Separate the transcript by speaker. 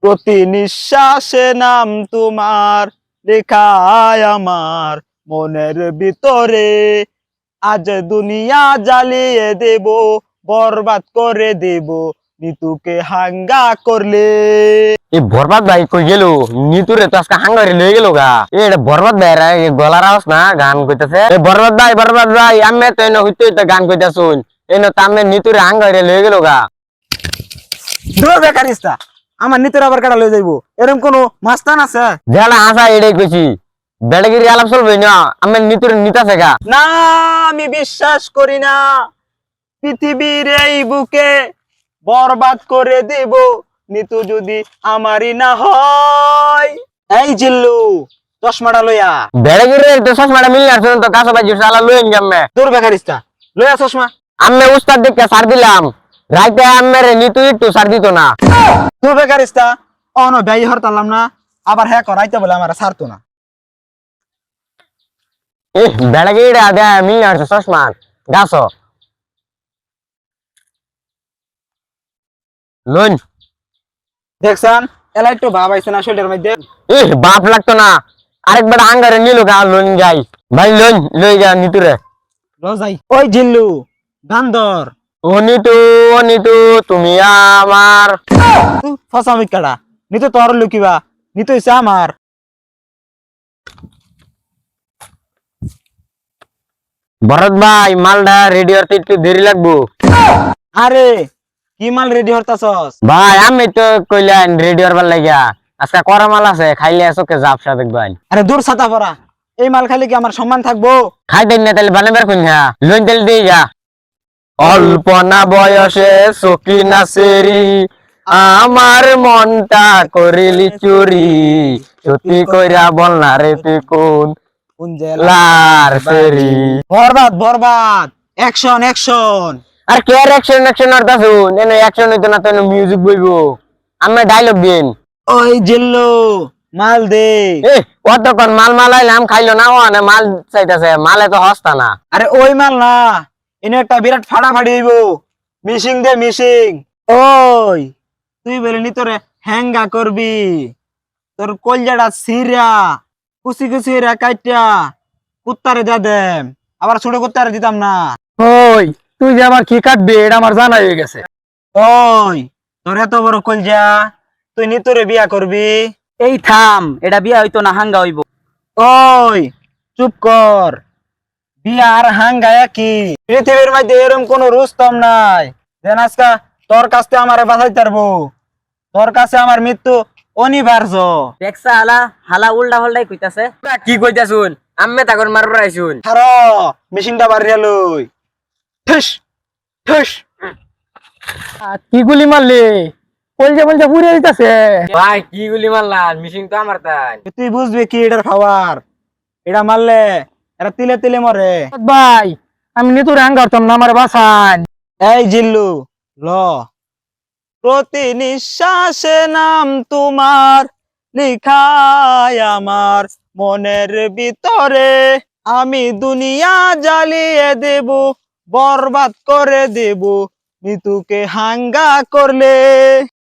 Speaker 1: প্রতি নিঃশ্বাসে নাম তোমার লেখায় আমার মনের ভিতরে। আজ দুনিয়া জ্বালিয়ে দেব, বরবাদ করে দেব নিতুকে হাঙ্গা করলে।
Speaker 2: এই বরবাদ ভাই কই গেল? নিতুরে তো আজকে হাঙ্গারে লয়ে গেল গা। এটা বরবাদ ভাই রা গলার আওয়াজ না গান কইতাছে। এই বরবাদ ভাই আমি তো এনে হইতে হইতে গান কইতাছুন। এনে তো আমি নিতুরে হাঙ্গারে লয়ে গেল গা।
Speaker 1: দূর বেকারিস্তা, আমার নিতুর আবার কাটা লয়ে যাইবো, এরকম কোন মাস্তান আছে?
Speaker 2: যেটা আসা এটাই কইছি, বেড়াগিরি আলাপ চলবে না। আমি নিতুরে নিতাছে গা।
Speaker 1: না, আমি বিশ্বাস করি না। পৃথিবীর এই বুকে বরবাদ করে দেব নিতু যদি আমারই না হয়। এই জিল্লু, চশমাটা লইয়া।
Speaker 2: বেড়াগিরি তো চশমাটা মিললে আসুন তো কাছে বাজি সালা লইন গাম্মে।
Speaker 1: দূর বেকারিস্তা, লইয়া চশমা।
Speaker 2: আমি উস্তাদ দেখে সার দিলাম, রাইতে আমের নিতু একটু সার দিত না।
Speaker 1: দূর বেকারিস্তা, অন ব্যয় হরতালাম না, আবার হ্যাঁ করাইতে বলে আমার ছাড়তো না।
Speaker 2: বেড়াগিরি আদে মিললে আসছে চশমা গাছ লইন।
Speaker 1: দেখছেন এলা একটু ভাব আইছে না শরীরের মধ্যে?
Speaker 2: বাপ লাগতো না, আরেকবার আঙ্গারে নিল গা লোন যাই। ভাই লোন লই যা নিতুরে।
Speaker 1: যাই। ওই জিল্লু, গান ধর।
Speaker 2: ও নিতু তুমি আমার।
Speaker 1: ফসা মিকাটা, নিতু তোর লুকিবা, নিতু হইছে আমার।
Speaker 2: ভরত ভাই মালটা রেডি হতে একটু দেরি লাগবো।
Speaker 1: আরে কি মাল রেডি হরতাছস?
Speaker 2: ভাই আমি তো কইলেন রেডি হবার লাগিয়া, আজকে করা মাল আছে, খাইলে চোখে জাপসা দেখবেন।
Speaker 1: আরে দূর ছাতা পরা, এই মাল খাইলে কি আমার সম্মান থাকবো?
Speaker 2: খাইতেন না তাহলে বানাবার কোন লোন তেল দিয়ে যা। অল্পনা বয়সে সখী নাচেরি, আমার মনটা করিলি চুরি, সত্যি কইরা বল না রে তুই কোন লার সেরি।
Speaker 1: বরবাদ বরবাদ, অ্যাকশন অ্যাকশন।
Speaker 2: আর কে অ্যাকশন আর দাসুন এনে অ্যাকশন হইতো না, তো মিউজিক বইবো। আমি ডায়লগ দিন।
Speaker 1: ওই জিল্লু, মাল দে।
Speaker 2: কতক্ষণ মাল মালাইলাম, খাইলো না, ও না মাল চাইতেছে, মালে তো হস্তা না।
Speaker 1: আরে ওই মাল না, এনে একটা বিরাট ফাটাফাটি হইব, মিশিং দে মিশিং। ওই তুই বলে নি তোরে হ্যাঙ্গা করবি, তোর কলজাটা সিরা কুচি কুচি রা কাইটা কুত্তারে যা দেম, আবার ছোট কুত্তারে দিতাম না।
Speaker 2: ওই তুই যে আবার কি কাটবি এটা আমার জানা হয়ে গেছে।
Speaker 1: ওই তোর এত বড় কলজা, তুই নি তোরে বিয়া করবি?
Speaker 3: এই থাম, এটা বিয়া হইতো না হাঙ্গা হইব।
Speaker 1: ওই চুপ কর, বিয়া আর হাঙ্গা কি? পৃথিবীর মধ্যে এরকম কোন রুস্তম নাই যেন আজকা তোর কাছে আমারে বাঁচাইতে পারবো। তোর কাছে আমার মৃত্যু অনিবার্য।
Speaker 3: দেখছা হালা হালা উল্টা হল্টাই কইতাছে।
Speaker 2: কি কইতাছুন? আম্মে তাকর মারবার আইছুন।
Speaker 1: ছাড়ো, মেশিনটা বাড়িয়া লই। ঠুস ঠুস।
Speaker 2: কি গুলি মারলি? বলছে পুড়ে দিতেছে। ভাই কি গুলি মারলাম? মিশিং তো আমার তাই।
Speaker 1: তুই বুঝবি কি এটার খাবার? এটা মারলে এটা তিলে তিলে মরে।
Speaker 2: ভাই আমি নিতুরে হাঙ্গারতাম না, আমার বাসান।
Speaker 1: এই জিল্লু, ল। প্রতি নিঃশ্বাসে নাম তোমার লিখায় আমার মনের ভিতরে। আমি দুনিয়া জ্বালিয়ে দেব, বরবাদ করে দেব নিতুকে হাঙ্গা করলে।